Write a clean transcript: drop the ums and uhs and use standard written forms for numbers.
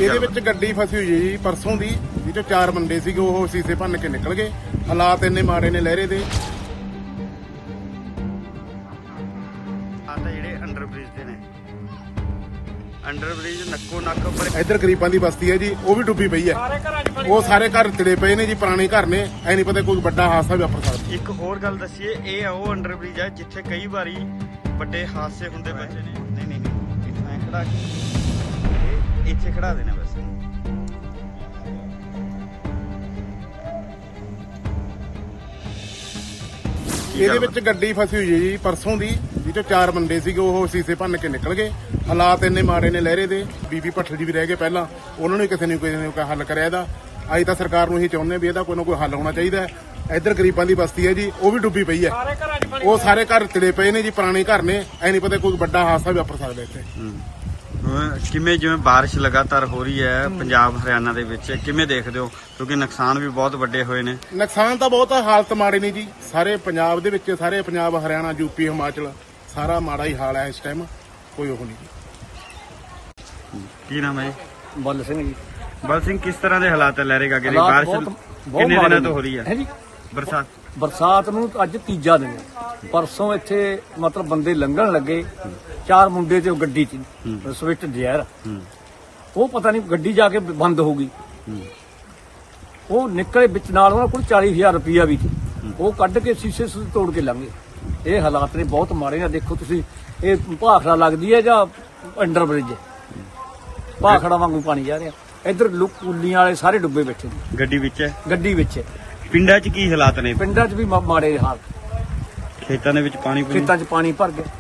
ਇਹਦੇ ਵਿੱਚ ਗੱਡੀ ਫਸੀ ਹੋਈ ਹੈ ਜੀ ਪਰਸੋਂ ਦੀ, ਜਿਹਦੇ 4 ਬੰਦੇ ਸੀਗੇ, ਉਹ ਸੀਸੇ ਭੰਨ ਕੇ ਨਿਕਲ ਗਏ। ਹਾਲਾਤ ਇੰਨੇ ਮਾੜੇ ਨੇ ਲਹਿਰੇ ਦੇ। ਆ ਤਾਂ ਜਿਹੜੇ ਅੰਡਰ ਬ੍ਰਿਜ ਦੇ ਨੇ, ਅੰਡਰ ਬ੍ਰਿਜ ਨੱਕੋ ਨੱਕ। ਇੱਧਰ ਗਰੀਬਾਂ ਦੀ ਬਸਤੀ ਹੈ ਜੀ, ਉਹ ਵੀ ਡੁੱਬੀ ਪਈ ਹੈ। ਉਹ ਸਾਰੇ ਘਰ ਤਿੜੇ ਪਏ ਨੇ ਜੀ, ਪੁਰਾਣੇ ਘਰ ਨੇ। ਐ ਨਹੀਂ ਪਤਾ ਕੋਈ ਵੱਡਾ ਹਾਦਸਾ ਵੀ ਵਾਪਰ ਸਕਦਾ। ਇੱਕ ਹੋਰ ਗੱਲ ਦੱਸੀਏ, ਇਹ ਆ ਉਹ ਅੰਡਰ ਬ੍ਰਿਜ ਹੈ ਜਿੱਥੇ ਕਈ ਵਾਰੀ ਵੱਡੇ ਹਾਦਸੇ ਹੁੰਦੇ ਪਏ ਨੇ। ਨਹੀਂ ਇੱਥੇ ਖੜਾ ਕੇ ਇੱਥੇ ਖੜਾ ਦੇਣਾ ਬਸ। ਇਹਦੇ ਵਿੱਚ ਗੱਡੀ ਫਸੀ ਹੋਈ ਹੈ ਜੀ ਪਰਸੋਂ ਦੀ, ਜਿਹਦੇ 4 ਬੰਦੇ ਸੀਗੇ, ਉਹ ਸੀਸੇ ਭੰਨ ਕੇ ਨਿਕਲ ਗਏ। ਹਾਲਾਤ ਇੰਨੇ ਮਾੜੇ ਨੇ ਲਹਿਰੇ ਦੇ। ਬੀਬੀ ਭੱਠਲ ਜੀ ਵੀ ਰਹਿ ਗਏ ਪਹਿਲਾਂ, ਉਹਨਾਂ ਨੂੰ ਕਿਸੇ ਨੇ ਕੋਈ ਹੱਲ ਕਰਿਆ ਇਹਦਾ। ਅੱਜ ਤਾਂ ਸਰਕਾਰ ਨੂੰ ਇਹੀ ਚਾਹੁੰਦੇ ਵੀ ਇਹਦਾ ਕੋਈ ਨਾ ਕੋਈ ਹੱਲ ਹੋਣਾ ਚਾਹੀਦਾ ਹੈ। ਇੱਧਰ ਗਰੀਬਾਂ ਦੀ ਬਸਤੀ ਹੈ ਜੀ, ਉਹ ਵੀ ਡੁੱਬੀ ਪਈ ਹੈ। ਉਹ ਸਾਰੇ ਘਰ ਤਿੜੇ ਪਏ ਨੇ ਜੀ, ਪੁਰਾਣੇ ਘਰ ਨੇ। ਐ ਨਹੀਂ ਪਤਾ ਕੋਈ ਵੱਡਾ ਹਾਦਸਾ ਵੀ ਵਾਪਰ ਸਕਦਾ ਇੱਥੇ। ਕਿਵੇਂ ਜਿਵੇਂ ਬਾਰਿਸ਼ ਲਗਾਤਾਰ ਹੋ ਰਹੀ ਹੈ ਪੰਜਾਬ ਹਰਿਆਣਾ ਦੇ ਵਿੱਚ, ਕਿਵੇਂ ਦੇਖਦੇ ਹੋ? ਕਿਉਂਕਿ ਨੁਕਸਾਨ ਵੀ ਬਹੁਤ ਵੱਡੇ ਹੋਏ ਨੇ। ਨੁਕਸਾਨ ਤਾਂ ਬਹੁਤ ਆ, ਹਾਲਤ ਮਾੜੇ ਨੇ ਜੀ ਸਾਰੇ ਪੰਜਾਬ ਦੇ ਵਿੱਚ। ਸਾਰੇ ਪੰਜਾਬ, ਹਰਿਆਣਾ, ਯੂਪੀ, ਹਿਮਾਚਲ, ਸਾਰਾ ਮਾੜਾ ਹੀ ਹਾਲ ਹੈ ਇਸ ਟਾਈਮ। ਕੋਈ ਉਹ ਨਹੀਂ ਜੀ। ਕੀ ਨਾਮ ਹੈ ਜੀ? ਬੱਲ ਸਿੰਘ ਜੀ। ਬਲ ਸਿੰਘ, ਕਿਸ ਤਰ੍ਹਾਂ ਦੇ ਹਾਲਾਤ ਹੈ ਲਹਿਰੇ ਗਾਗੇ ਦੀ? ਹਾਲਾਤ ਬਾਰਿਸ਼ ਬਹੁਤ ਕਿੰਨੇ ਮਾੜੇ ਦਿਨਾਂ ਨੇ। ਤੋਂ ਹੋ ਰਹੀ ਹੈ ਜੀ ਬਰਸਾਤ? ਬਰਸਾਤ ਨੂੰ ਅੱਜ ਤੀਜਾ ਦਿਨ ਹੈ। ਪਰਸੋਂ ਇੱਥੇ ਮਤਲਬ ਬੰਦੇ ਲੰਘਣ ਲੱਗੇ, 4 ਮੁੰਡੇ ਤੇ ਉਹ ਗੱਡੀ 'ਚ ਸਵਿਫਟ ਡਿਜ਼ਾਇਰ, ਉਹ ਪਤਾ ਨਹੀਂ ਗੱਡੀ ਜਾ ਕੇ ਬੰਦ ਹੋ ਗਈ। ਉਹ ਨਿਕਲੇ ਵਿੱਚ, ਨਾਲ ਉਹਨਾਂ ਕੋਲ 40,000 ਰੁਪਇਆ ਵੀ ਸੀ। ਉਹ ਕੱਢ ਕੇ ਸ਼ੀਸ਼ੇ ਤੋੜ ਕੇ ਲੰਘੇ। ਇਹ ਹਾਲਾਤ ਨੇ ਬਹੁਤ ਮਾੜੇ ਆ। ਦੇਖੋ ਤੁਸੀਂ, ਇਹ ਭਾਖੜਾ ਲੱਗਦੀ ਹੈ ਜਾਂ ਅੰਡਰ ਬ੍ਰਿਜ? ਭਾਖੜਾ ਵਾਂਗੂ ਪਾਣੀ ਜਾ ਰਿਹਾ। ਇੱਧਰ ਕੁੱਲੀਆਂ ਵਾਲੇ ਸਾਰੇ ਡੁੱਬੇ ਬੈਠੇ ਨੇ। ਗੱਡੀ ਵਿੱਚ ਹੈ? ਗੱਡੀ ਵਿੱਚ। ਪਿੰਡਾਂ 'ਚ ਕੀ ਹਾਲਾਤ ਨੇ? ਪਿੰਡਾਂ 'ਚ ਵੀ ਮਾੜੇ ਹਾਲ। ਖੇਤਾਂ ਦੇ ਵਿੱਚ ਪਾਣੀ ਖੇਤਾਂ 'ਚ ਪਾਣੀ ਭਰ ਗਿਆ।